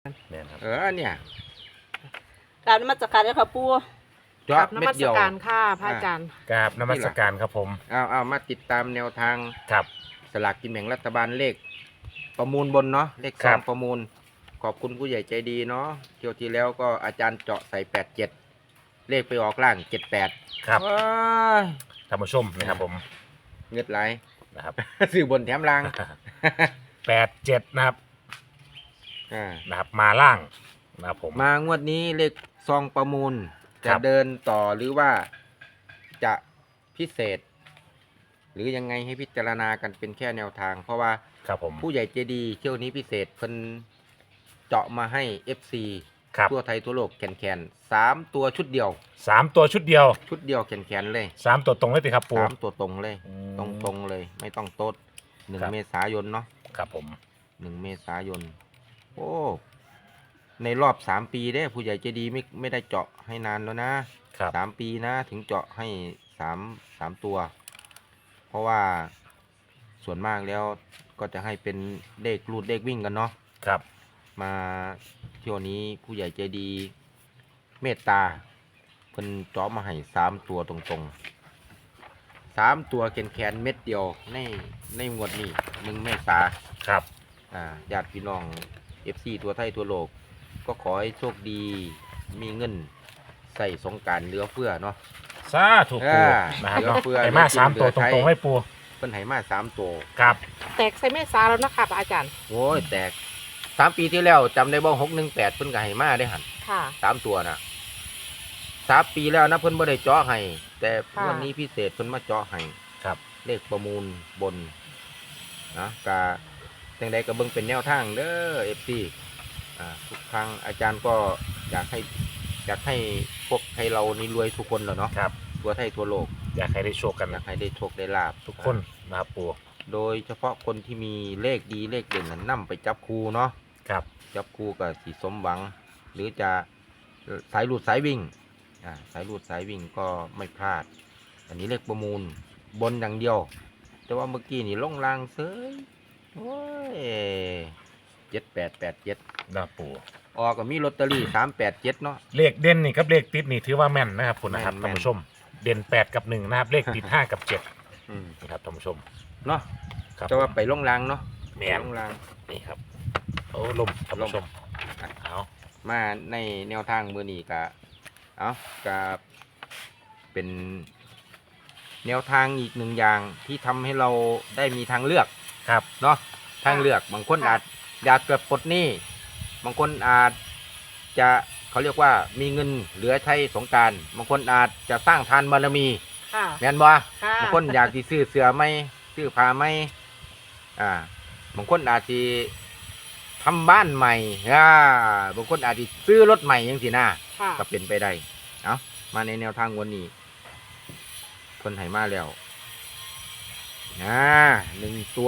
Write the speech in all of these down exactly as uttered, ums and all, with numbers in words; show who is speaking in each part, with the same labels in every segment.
Speaker 1: เนี่ยครับ
Speaker 2: เออเนี่ย
Speaker 3: กราบนมัสการเลยค่ะปู่
Speaker 2: จอบ
Speaker 4: น
Speaker 2: เม็
Speaker 4: มั
Speaker 2: ด
Speaker 4: ส
Speaker 2: เดียว
Speaker 4: การค่ะพระอาจารย์
Speaker 1: กราบนมัสการครับผม
Speaker 2: เอาเอามาติดตามแนวทาง
Speaker 1: ครับ
Speaker 2: สลากกินแบ่งรัฐบาลเลข ประมูลบนเนาะเลข
Speaker 1: ค
Speaker 2: ซ
Speaker 1: รั
Speaker 2: อบ งประมูล ขอบคุณผู้ใหญ่ใจดีเนาะเที่ยวที่แล้วก็อาจารย์เจาะใส่แปดเจ็ดเลขไปออกล่างเจ็ดแปด
Speaker 1: ครับ
Speaker 2: ว้าย
Speaker 1: ท่านผู้ชมนะครับผม
Speaker 2: เงือดไหล
Speaker 1: นะครับ
Speaker 2: สื่อบนแถมล่าง
Speaker 1: แปดเจ็ดนะครับ
Speaker 2: อ่า
Speaker 1: นะครับมาล่างนะครับผม
Speaker 2: มางวดนี้เลขซองประมูล
Speaker 1: ครั
Speaker 2: จะ
Speaker 1: บ
Speaker 2: เดินต่อหรือว่าจะพิเศษ หรือยังไงให้พิจารณากันเป็นแค่แนวทาง เพราะว่า
Speaker 1: ครับผม
Speaker 2: ผู้ใหญ่ใจดีเที่ยวนี้พิเศษเพิ่นเจาะมาให้ เอฟ ซี
Speaker 1: ครับ
Speaker 2: ทั่วไทยทั่วโลกแขนๆสามตัวชุดเดียว
Speaker 1: สามตัวชุดเดียว
Speaker 2: ชุดเดียวแขนๆเลย
Speaker 1: สามตัวตรงเลยสิครับปู
Speaker 2: สามตัวตรงเลย
Speaker 1: อื
Speaker 2: ตรง
Speaker 1: ม
Speaker 2: ตรงๆเลย ไม่ต้องโต๊ดหนึ่ง
Speaker 1: ครับ
Speaker 2: เมษายนเนาะ
Speaker 1: ครับผม
Speaker 2: หนึ่งเมษายน โอ้ในรอบสามปีเด้ผู้ใหญ่ใจดีไม่ไม่ได้เจาะให้นานแล้วนะครับ สามปีนะถึงเจาะให้สามสามตัว เพราะว่าส่วนมากแล้วก็จะให้เป็นเลขรูดเลขวิ่งกันเนาะ
Speaker 1: ครับ
Speaker 2: มาเที่ยวนี้ผู้ใหญ่ใจดี เมตตาเพิ่นเจาะมาให้สามตัวตรงๆสามตัวแขนแขนๆเม็ดเดียวในในงวดนี้หนึ่งเมษา
Speaker 1: ครับ
Speaker 2: อ่าญาติพี่น้อง เอฟ ซี ตัวไทยตัวโลก ก็ขอให้โชคดีมีเงินใส่สงกรารเหลือเฟือเนาะ
Speaker 1: สาธุปู
Speaker 2: อ่า
Speaker 1: นะครับ
Speaker 2: เหลือ
Speaker 1: เนาะ
Speaker 2: เฟือ
Speaker 1: ไอ้มา
Speaker 2: เหลือกิน
Speaker 1: สามตัว
Speaker 2: เหลื
Speaker 1: ต
Speaker 2: อใช้
Speaker 1: รงๆให้ปู
Speaker 2: เพิ่นให้มาสามตัว
Speaker 1: ครับ
Speaker 4: แตกใส่เมษาแล้วนะคะพระอาจารย์
Speaker 2: โอ้ยแตกสามปีที่แล้วจำได้บ่หกหนึ่งแปดเพิ่นก็ให้มาได้หัน
Speaker 4: ค่ะ
Speaker 2: สามตัวนะสามปีแล้วนะเพิ่นบ่ได้เจาะให้แต่
Speaker 4: ค่ะ
Speaker 2: วันนี้พิเศษเพิ่นมาเจาะให้
Speaker 1: ครับ
Speaker 2: เลขประมูลบนนะกาจังใดก็เบิ่งเป็นแนวทางเด้อ เอฟ ซี อ่าทุกครั้งอาจารย์ก็อยากให้อยากให้พวกไทยเรานี่รวยทุกคนแหละเนาะ
Speaker 1: ครับ
Speaker 2: ทั่วไทยทั่วโลก
Speaker 1: อยากให้ได้โชคกัน
Speaker 2: อยา
Speaker 1: นะ
Speaker 2: กให้ได้โชคได้ลาบ
Speaker 1: ทุกคนนะครับปู
Speaker 2: โดยเฉพาะคนที่มีเลขดีเลขเด่นนั้นนำไปจับคู่เนาะ
Speaker 1: ครับ
Speaker 2: จับคู่กับสีสมหวัง หรือจะสายหลุดสายวิ่งอ่าสายหลุดสายวิ่งก็ไม่พลาด อันนี้เลขประมูลบนอย่างเดียว แต่ว่าเมื่อกี้นี่ลงลางเซยโอ้ยเจ็ดแปดแปดเจ็ด
Speaker 1: นะครับปู
Speaker 2: ออกก็มีลอตเตอรี่สามแปดเจ็ดเนาะ
Speaker 1: เลขเด่นนี่กับเลขติดนี่ถือว่าแม่นนะครับคุณนะครับ
Speaker 2: แม่น
Speaker 1: ท่านผู้ชม เด่นแปดกับหนึ่งนะครับ เลขติดห้ากับเจ็ด
Speaker 2: อืม
Speaker 1: นะครับท่านผู้ชม
Speaker 2: เนาะ
Speaker 1: ครับ
Speaker 2: แต่ว่าไปลงลางเนาะ
Speaker 1: แม่น
Speaker 2: ไปลงลาง
Speaker 1: นี่ครับโอ้ลมท่านผู้ชม
Speaker 2: ลม
Speaker 1: เอา
Speaker 2: มาในแนวทางมือนี้กะเอากะเป็นแนวทางอีกหนึ่งอย่างที่ทำให้เราได้มีทางเลือก
Speaker 1: ครับ
Speaker 2: เนาะทางเลือกบางคนอาจอยากเกิดปลดหนี้บางคนอาจจะเขาเรียกว่ามีเงินเหลือใช้สงกรารบางคนอาจจะสร้างทานบารมี
Speaker 4: ค่ะ
Speaker 2: แม่นบ่
Speaker 4: ค่ะ
Speaker 2: บางคนอยากที่ซื้อเสื้อไหมซื้อผ้าไหมอ่าบางคนอาจจะทำบ้านใหม่อ่าบางคนอาจจะซื้อรถใหม่ยังสินะ
Speaker 4: ค่ะ
Speaker 2: ก็เป็นไปได้เอามาในแนวทางวันนี้คนไหมาแล้วอ่าหนึ่งตัว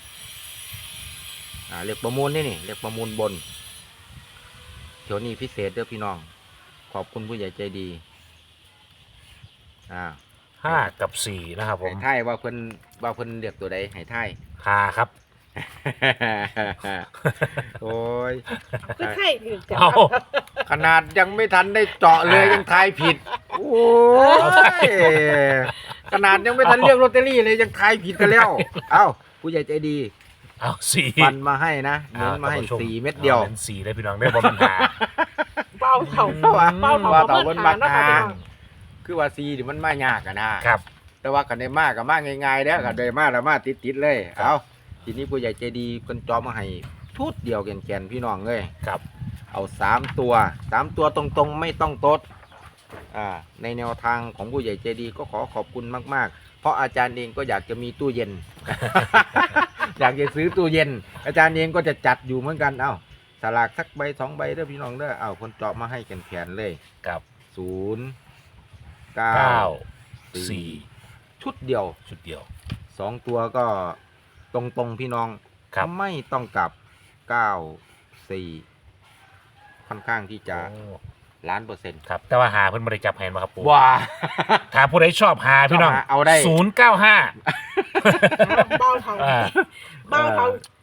Speaker 2: อ่าเรียกประมูลนี่นี่เรียกประมูลบนเที่ยวนี้พิเศษเด้อพี่น้อง ขอบคุณผู้ใหญ่ใจดีอ่า
Speaker 1: ห้ากับสี่นะครับผ
Speaker 2: ให้
Speaker 1: ม
Speaker 2: ท่ายว่าเพิ่นว่าเพิ่นเรียกตัวใดให้ท่าย
Speaker 1: ห้าครับ
Speaker 2: โอ้ย
Speaker 4: คือไข่ถึงจะ
Speaker 1: เอา
Speaker 2: ขนาดยังไม่ทันได้เจาะเลยยังทายผิด โอ้ยขนาดยังไม่ทันเรียกลอตเตอรี่เลยยังทายผิดกันแล้ว เอ้าผู้ใหญ่ใจดี
Speaker 1: เอาสี่
Speaker 2: ฟันมาให้นะเน้นมาให้
Speaker 1: ท่นผู้ช
Speaker 2: สี่เม็ดเดียว
Speaker 1: อาเป็นสี่เลยพี่น้องได้บอปัญหา
Speaker 4: เบ้าเถา
Speaker 1: เบ้า
Speaker 4: เบ้าเถา
Speaker 2: ว่าเต่า
Speaker 4: เบิ้
Speaker 2: บ
Speaker 4: ล
Speaker 2: น
Speaker 4: หา
Speaker 2: บัก
Speaker 4: เนาะค่ะ
Speaker 2: หา
Speaker 4: พี่น้อง
Speaker 2: คือว่าซีนี่มันมายากอะนะครับ แต่ว่ากันได้มากกับมากง่ายๆเด้อกันได้มากแล้วมาติดๆเลย
Speaker 1: ครับ
Speaker 2: เอาทีนี้ผู้ใหญ่ใจดีเพิ่นจอมมาให้ทุดเดียวแกนๆพี่น้องเลย
Speaker 1: ครับ
Speaker 2: เอาสามตัวสามตัวตรงๆไม่ต้องตดอ่าในแนวทางของผู้ใหญ่ใจดีก็ขอขอบคุณมากๆ เพราะอาจารย์เองก็อยากจะมีตู้เย็น อยากจะซื้อตู้เย็น อาจารย์เองก็จะจัดอยู่เหมือนกันเอ้าสลากสักใบสองใบเด้อพี่น้องเด้อเอาคนเจาะมาให้แขนๆเลย
Speaker 1: กับ
Speaker 2: ศูนย์เก้า
Speaker 1: เก้า
Speaker 2: สี่
Speaker 1: สี่
Speaker 2: ชุดเดียว
Speaker 1: ชุดเดียว
Speaker 2: สองตัวก็ตรงๆพี่น้อง
Speaker 1: ครับ
Speaker 2: ไม่ต้องกลับเก้าสี่ค่อนข้างที่จะ
Speaker 1: โอ้
Speaker 2: ล้านเปอร์เซ็นต์
Speaker 1: ครับ แต่ว่าหาเพิ่นบริจับแหนมาครับปู
Speaker 2: ว้า
Speaker 1: ถ้าผู้ใดชอบหาพี่น้อง
Speaker 2: ชอบหาเอาได้
Speaker 1: ศูนย์เก้าห้า
Speaker 4: เบ้าเถา
Speaker 1: อ่า
Speaker 4: เบ้าเถา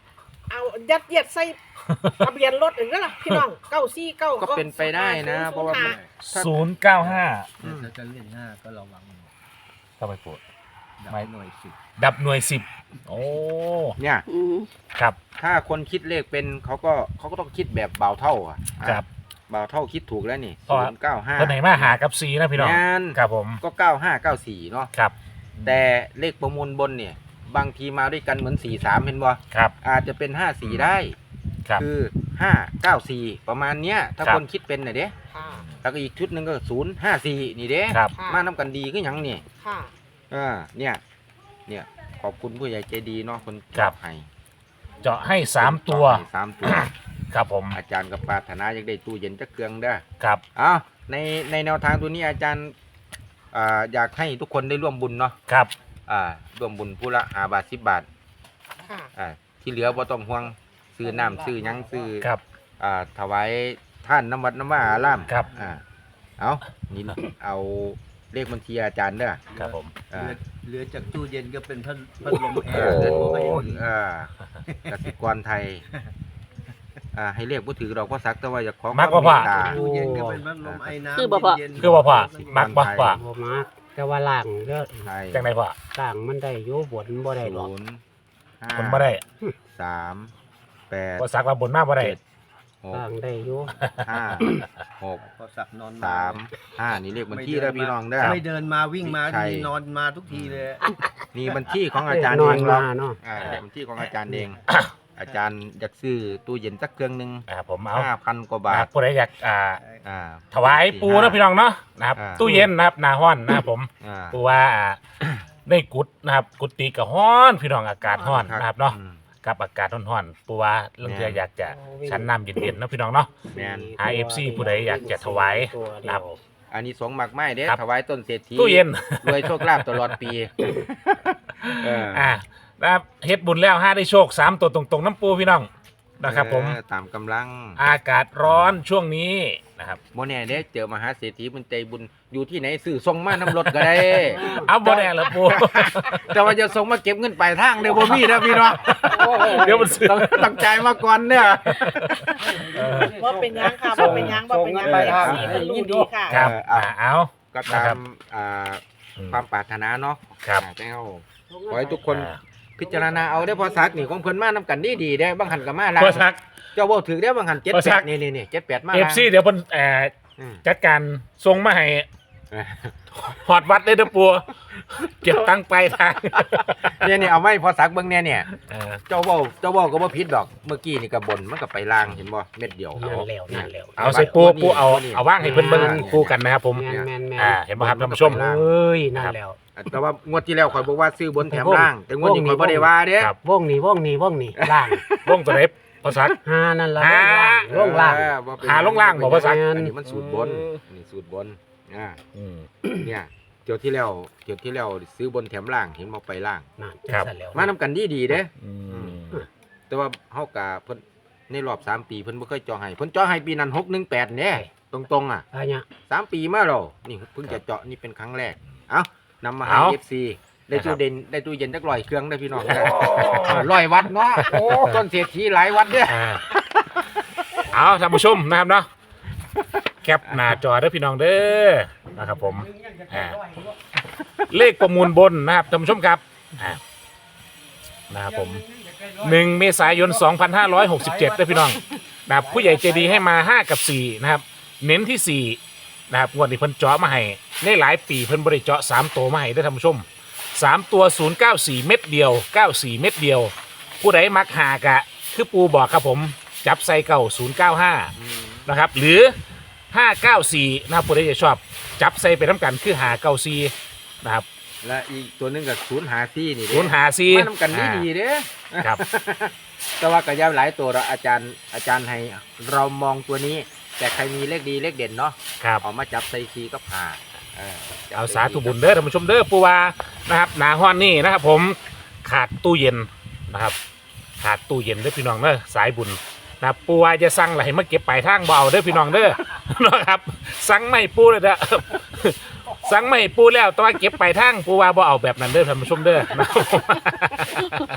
Speaker 4: เอายัดเยียดใส่ทะเบียนรถอย่างนั้นล่ะพี่น้องเก้าสี่เก้า
Speaker 2: ก็เป็นไปได้นะเพราะว่ามัน
Speaker 1: ศูนย์เก้าห้า
Speaker 2: อืม
Speaker 5: ถ้าจะเล่นห้าก็ระวัง
Speaker 1: เข้าไปปู
Speaker 5: ดับ
Speaker 1: ไม่
Speaker 5: หน่วยสิบ
Speaker 1: ดับหน่วยสิบโอ้
Speaker 2: เนี่ย
Speaker 3: อืม
Speaker 1: ครับ
Speaker 2: ถ้าคนคิดเลขเป็นเขาก็เขาก็ต้องคิดแบบเบาเท่าอ่ะ
Speaker 1: ครับ
Speaker 2: เบาเท่าคิดถูกแล้วนี่
Speaker 1: เพราะ
Speaker 2: ศูนย์เก้าห้า
Speaker 1: เพิ่นไหนมาหากับซีนะพี่น้อง
Speaker 2: งาน
Speaker 1: ครับผม
Speaker 2: ก็เก้าห้าเก้าสี่เนาะ
Speaker 1: ครับ
Speaker 2: แต่เลขประมูลบนเนี่ย บางทีมาด้วยกันเหมือนสี่สามเห็นบ่
Speaker 1: ครับ
Speaker 2: อาจจะเป็นห้าสี่ได้
Speaker 1: ครับ
Speaker 2: คือห้าเก้าสี่ประมาณเนี้ย ถ้า
Speaker 1: ครับ
Speaker 2: คนคิดเป็นน่ะเด้
Speaker 4: ค่ะ
Speaker 2: แล้วก็อีกชุดหนึ่งก็ศูนย์ห้าสี่นี่เด้
Speaker 1: ครับ
Speaker 4: ค่ะ
Speaker 2: มาน้ำกันดีก็ยังนี่
Speaker 4: ค่ะ
Speaker 2: อ่าเนี่ย เนี่ยขอบคุณผู้ใหญ่ใจดีเนาะคน
Speaker 1: ครับ
Speaker 2: ให้
Speaker 1: เจาะให้สามตัว
Speaker 2: ให้สามตัว
Speaker 1: ครับผม
Speaker 2: อาจารย์กับปรารถนาอยากได้ตู้เย็นจักเครื่องเด้อ
Speaker 1: ครับ
Speaker 2: อ้าวในในแนวทางตัวนี้อาจารย์อ่าอยากให้ทุกคนได้ร่วมบุญเนาะ
Speaker 1: ครับ
Speaker 2: อ่าร่วมบุญผู้ละห้าบาทสิบบาท
Speaker 4: ค่ะ
Speaker 2: อ่าที่เหลือบ่ต้องห่วงซื้อน้ำซื้อหยังซื้อ
Speaker 1: ครับ
Speaker 2: อ่าถวายท่านน้ำวัดน้ำว่าอาราม
Speaker 1: ครับ
Speaker 2: อ่าเอานี่เอาเลขบัญชีอาจารย์เด้อ
Speaker 1: ครับผม
Speaker 2: อ่า
Speaker 5: เหลือเหลือจากตู้เย็นก็เป็นพัดพัดลมแอ
Speaker 2: เอ
Speaker 5: ร์
Speaker 2: อ
Speaker 5: เดิน
Speaker 2: โอ้
Speaker 5: ไป
Speaker 2: ยอ่ากสิกรไทยอ่าให้เรียกผู้ถือดอกพ่อสักแต่ว่าอยากขอ
Speaker 1: มากกว่าพ่อ
Speaker 2: เตต
Speaker 5: ตู้เย็นก็เป็นพัดลมไอ้น้ำ
Speaker 3: คือบ่พอ
Speaker 5: เย็นๆ
Speaker 1: คือบ่พอมักบ่พอ
Speaker 6: บ่มักแต่ว่าล่างเด้อ
Speaker 2: ไทย
Speaker 1: จังไดพ่อ
Speaker 6: ล่างมันได้อยู่บนบ่ได้ดอก
Speaker 2: ศูนย์ห้า
Speaker 1: คนบ่ได้
Speaker 2: สามแปด
Speaker 1: บ่สักว่าบนมาบ่ได้
Speaker 2: เจ็ดหก
Speaker 6: ล่างได้อยู่
Speaker 2: ห้าหก
Speaker 5: พอสักนอน
Speaker 2: สามห้านี่เลขบัญชีเด้อพี่น้องเด้อ
Speaker 5: ไม่เดินมาวิ่งมา
Speaker 2: ใช่
Speaker 5: ทีนอนมาทุกทีเลย
Speaker 2: นี่บัญชีของอาจารย์
Speaker 6: น
Speaker 2: เอ
Speaker 6: อน
Speaker 2: งหร
Speaker 6: มา
Speaker 2: อก
Speaker 6: เนาะ
Speaker 2: อ่าเลขบัญชีของอาจารย์เอง อาจารย์อยากซื้อตู้เย็นสักเครื่องหนึ่ง
Speaker 1: อ่าผมเอา
Speaker 2: ห้าพันกว่าบา
Speaker 1: อ่า
Speaker 2: ท
Speaker 1: ผู้ใดอยากอ่า
Speaker 2: อ่า
Speaker 1: ถวายปูนะพี่น้องเนาะนะครับ
Speaker 2: อ่า
Speaker 1: ตู้เย็นนะครับหนาห้อนนะครับผม
Speaker 2: อ่า
Speaker 1: ปูว่าอ่าในกุดนะครับกุฏิกับห้อนพี่น้องอากาศห้อนนะครับเนาะ
Speaker 2: อืม
Speaker 1: กับอากาศร้อนๆปูว่าเรื่องเธออยากจะชั้นน้ำเย็นๆนะพี่น้องเนาะ
Speaker 2: แม่น
Speaker 1: หา เอฟ ซี ผู้ใดอยากจะถวายนะครับ
Speaker 2: อันนี้สงส์หมากไม้เด้
Speaker 1: ครับ
Speaker 2: ถวายต้นเศรษฐี
Speaker 1: ตู้เย็น
Speaker 2: รวยโชคลาภตลอดปีเออ
Speaker 1: อ่านะครับเฮ็ดบุญแล้วห้าได้โชคสามตัวตรงๆน้ำปูพี่น้องนะครับผม
Speaker 2: เออตามกำลัง
Speaker 1: อากาศร้อนช่วงนี้นะครับ
Speaker 2: โมแน่เด้เจอมหาเศรษฐีมันใจบุญอยู่ที่ไหนซื้อส่งมาน้ำรถก็ได้
Speaker 1: เอาบ่แน่ละปู
Speaker 2: แต่ว่าจะส่งมาเก็บเงินปลายทางเดี๋ยวบ่มีนะพี่น้อง
Speaker 1: เดี๋ยวมันซื้อ
Speaker 2: ต้องต้องจ่ายมาก่อนเนี่ย
Speaker 4: ว่าเป็นยังค่ะว่าเป็นยังว่าเป็นยัง
Speaker 2: ส่งเงินไปทาง
Speaker 4: สี่คนรู้ดีค่ะ
Speaker 1: ครับ
Speaker 2: เออ
Speaker 1: อ่าเอา
Speaker 2: ก็ตา
Speaker 1: นะครับ
Speaker 2: มอ่า
Speaker 1: อืม
Speaker 2: ความปรารถนาเนาะ
Speaker 1: ครับ
Speaker 2: อ่าแต่เอาขอให้ทุกคน
Speaker 1: อ่า
Speaker 2: พิจารณาเอาได้อพอสักนี่ของเพิ่นมานํกันดีดีๆได้อบางหันก็มาล่าง
Speaker 1: พอสัก
Speaker 2: เจ้าเว้าถึงได้อบางหันเจ็ด
Speaker 1: พอ
Speaker 2: แป
Speaker 1: สั
Speaker 2: ด
Speaker 1: ก
Speaker 2: นี่นี่นี่เจ็ดแปดมา
Speaker 1: เอฟ
Speaker 2: ล่าง
Speaker 1: ซีเดี๋ยวเพิ่นเอ่อ
Speaker 2: อืม
Speaker 1: จัดการส่งมาให้
Speaker 2: เออ
Speaker 1: หอดวัดเลยเด้อปูเก็บตังค์ไปลายทาง
Speaker 2: เนี่ยนี่เอาไว้พอสักเบิ่งเนี่ยเนี่ย
Speaker 1: เออ
Speaker 2: เจ้าเว้าเจ้าเว้าก็บ่ผิดดอกเมื่อกี้นี่ก็บนมันก็ไปล่างเห็นบ่เม็ดเดียว
Speaker 6: นั่นแล้วนั่นแล้ว
Speaker 1: เอาใส่ปูปูเอาเอาว่างให้เพิ่นเบิ่งคู่กันนะครับผม
Speaker 6: แม่นแม่นแม่น
Speaker 1: อ่าเห็นไหมครับท่านผู้ชม
Speaker 6: เอ้ยนั่นแล้ว
Speaker 2: แต่ว่างวดที่แล้วข่อยบอกว่าซื้อบนแถมล่าง แต่งวดนี้ข่อยบ่ได้ว่าเด้
Speaker 1: ครับ
Speaker 6: วงนี้วงนี้วงนี้ล่าง
Speaker 1: วงตัวไหนพอสัก
Speaker 6: หานั่นละ
Speaker 1: หา
Speaker 6: วงล่าง
Speaker 2: เออบ่เป็น
Speaker 1: หาลงล่างบอกว่าสัก
Speaker 2: อันนี้มันสูตรบนอันนี้สูตรบนอ่า
Speaker 1: อืม
Speaker 2: เนี่ยเกี่ยวที่แล้วเกี่ยวที่แล้วซื้อบนแถมล่างเห็นบ่ไปล่าง
Speaker 6: นั่น
Speaker 1: ครับ
Speaker 6: จังซั่นแล้ว
Speaker 2: มานํกันดีดีๆเด้
Speaker 1: อืม
Speaker 2: แต่ว่าเฮากะเพิ่นในรอบสามปีเพิ่นบ่เคยเจาะให้เพิ่นเจาะให้ปีนั้นหกหนึ่งแปดเนี่ยตรงๆอ่ะ
Speaker 6: อะไรเนี่ย
Speaker 2: สามปีมาแล้วนี่เพิ่งจะเจาะนี่เป็นครั้งแรกเอ้านำมาให้
Speaker 1: เอา
Speaker 2: เอฟซีได้ตู้เด่นได้ตู้เย็นจักร้อยเครื่องได้อพี่น้องได้ร้อยวัดเนาะโอ้ต้นเศรษฐีหลายวัดเด้อ
Speaker 1: อ่าเอาท่านผู้ชมนะครับเนาะแคปหน้าจอเด้อพี่น้องเด้อนะครับผมอ่าเลขประมูลบนนะครับท่านผู้ชมครับอ่านะครับผมหนึ่งเมษายนสองพันห้าร้อยหกสิบเจ็ดเด้อพี่น้องนะครับผู้ใหญ่ใจดีให้มาห้ากับสี่นะครับเน้นที่สี่นะครับงวดนี้เพิ่นเจาะมาให้ในหลายปีเพิ่นบริเจาะสามตัวมาให้ได้อท่านผู้ชมสามตัวศูนย์เก้าสี่เม็ดเดียวเก้าสี่เม็ดเดียว ผู้ใดมักหากะคือปูบอกครับผมจับใส่เก่าศูนย์เก้าห้านะครับหรือห้าเก้าสี่นะครับผู้ใดจะชอบจับใส่ไปน้ำกันคือหาเก้าสี่นะครับ
Speaker 2: และอีกตัวหนึงก็ศูนย์หาซี่นี่เด้
Speaker 1: ศูนย์หาสี่
Speaker 2: มานํกันดีดีๆเด้อ
Speaker 1: ครับ
Speaker 2: แต่ว่าก็ยาวหลายตัวเราอาจารย์อาจารย์ให้เรามองตัวนี้ แต่ใครมีเลขดีเลขเด่นเนาะ
Speaker 1: ครับ
Speaker 2: เอามาจับใส่ซีก็ผ่าเออจับ
Speaker 1: เอา
Speaker 2: ใ
Speaker 1: สาธุบุญเด้อท่านผู้ชมเด้อปูวานะครับหนาห้อนนี่นะครับผมขาดตู้เย็นนะครับขาดตู้เย็นเด้อพี่น้องเด้อสายบุญนะครับปูวาจะสั่งอะไรมาเก็บปลายทางเบเอาเด้อพี่น้องเด้อ นะครับสั่งไม่ปูเลยเด้อ สั่งไม่ปูแล้วแต่ว่าเก็บปลายทางปูวาบ่เอาแบบนั้นเด้อท่านผู้ชมเด้อนะครับ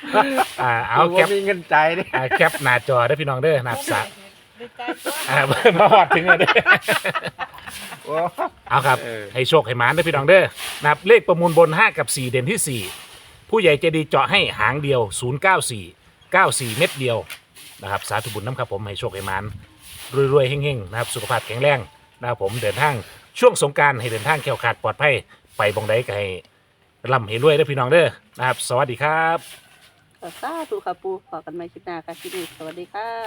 Speaker 1: อ่าเอา
Speaker 2: กู
Speaker 1: แค
Speaker 2: บ่
Speaker 1: ป
Speaker 2: มีเงินใจายเด้
Speaker 1: อ่าแคปหน้าจอได้อพี่น้องเด้อนะครับสะ
Speaker 4: ดีใจตัว
Speaker 1: อ่ามาหอดถึงเลยเด้อ
Speaker 2: โอ้
Speaker 1: เอาครับ
Speaker 2: เออ
Speaker 1: ให้โชคให้หมานได้อพี่น้องเด้อนะครับเลขประมูลบนห้ากับสี่เด่นที่สี่ผู้ใหญ่ใจดีเจาะให้หางเดียวศูนย์เก้าสี่ เก้าสี่เม็ดเดียวนะครับสาธุบุญน้ำครับผมให้โชคให้หมานรวยๆเฮงๆนะครับสุขภาพแข็งแรงนะครับผมเดินทางช่วงสงกรารให้เดินทางแข็งขาดปลอดภัยไปบองใดก็ให้ร่ำให้รวยได้อพี่น้องเด้อนะครับ สวัสดีครับ
Speaker 3: สาธุค่ะปูขอกันใหม่คลิปหน้าค่ะคลิปนี้สวัสดีค่ะ